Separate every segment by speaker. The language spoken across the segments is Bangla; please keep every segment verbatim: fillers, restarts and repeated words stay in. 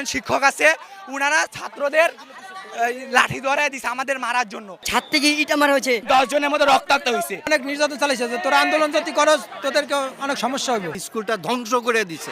Speaker 1: শিক্ষক আছে ওনারা ছাত্রদের লাঠি ধরায় দিছে আমাদের মারার জন্য।
Speaker 2: ছাত্রীকে ইটা মারা হয়েছে,
Speaker 1: দশ জনের মধ্যে রক্তাক্ত হয়েছে।
Speaker 3: অনেক নির্যাতন চালাইছে যে তোরা আন্দোলন যদি করস তোদেরকে অনেক সমস্যা হবে।
Speaker 4: স্কুলটা ধ্বংস করে দিছে।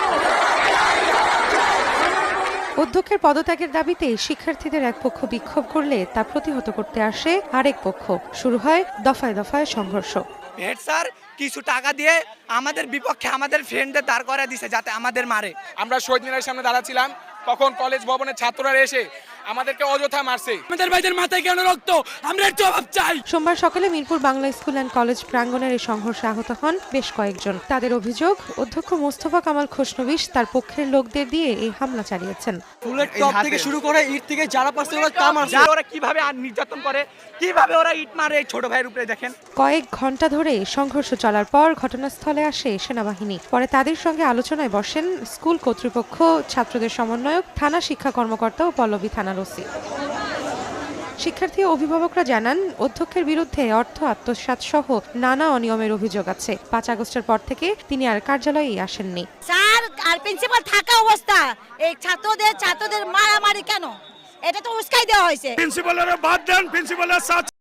Speaker 5: অধ্যক্ষের পদত্যাগের দাবিতে শিক্ষার্থীদের এক পক্ষ বিক্ষোভ করলে তা প্রতিহত করতে আসে আরেক পক্ষ। শুরু হয় দফায় দফায় সংঘর্ষ।
Speaker 1: হেড স্যার কিছু টাকা দিয়ে আমাদের বিপক্ষে আমাদের ফ্রেন্ডদের দাঁড় করায় দিছে যাতে আমাদের মারে।
Speaker 6: আমরা শহীদ মিনারের সামনে দাঁড়াচ্ছিলাম, তখন কলেজ ভবনের ছাত্ররা এসে আমাদেরকে অযথা মারছে।
Speaker 1: আমাদের ভাইদের মাথায় কেন রক্ত, আমরা এর জবাব চাই।
Speaker 5: সোমবার সকালে Mirpur Bangla school and college প্রাঙ্গণের এই সংঘর্ষে আহত হন বেশ কয়েকজন। তাদের অভিযোগ, অধ্যক্ষ মোস্তফা কামাল খোসনবিশ তার পক্ষের লোকদের দিয়ে এই হামলা চালিয়েছেন।
Speaker 3: ফুলের টপ থেকে শুরু করে ইট থেকে যারা পারছে ওরা তা মারছে।
Speaker 1: ওরা কিভাবে আর নির্যাতন করে, কিভাবে ওরা ইট মারে এই ছোট ভাইয়ের উপরে দেখেন।
Speaker 5: কয়েক ঘন্টা ধরে সংঘর্ষ চলার পর ঘটনাস্থলে আসে সেনাবাহিনী। পরে তাদের সঙ্গে আলোচনায় বসেন স্কুল কর্তৃপক্ষ, ছাত্রদের সমন্বয়ক, থানা শিক্ষা কর্মকর্তা ও পল্লবী থানার ওসি। শিক্ষার্থী ও অভিভাবকরা জানান, অধ্যক্ষের বিরুদ্ধে অর্থ আত্মসাৎ সহ নানা অনিয়মের অভিযোগ আছে। পাঁচ আগস্টের পর থেকে তিনি আর কার্যালয়েই আসেননি।
Speaker 7: স্যার আর প্রিন্সিপাল থাকা অবস্থা এই ছাত্রদের ছাত্রদের মারামারি কেন, এটা তো উস্কাই দেওয়া হয়েছে।
Speaker 6: প্রিন্সিপালের বাদ দেন, প্রিন্সিপালের সাথে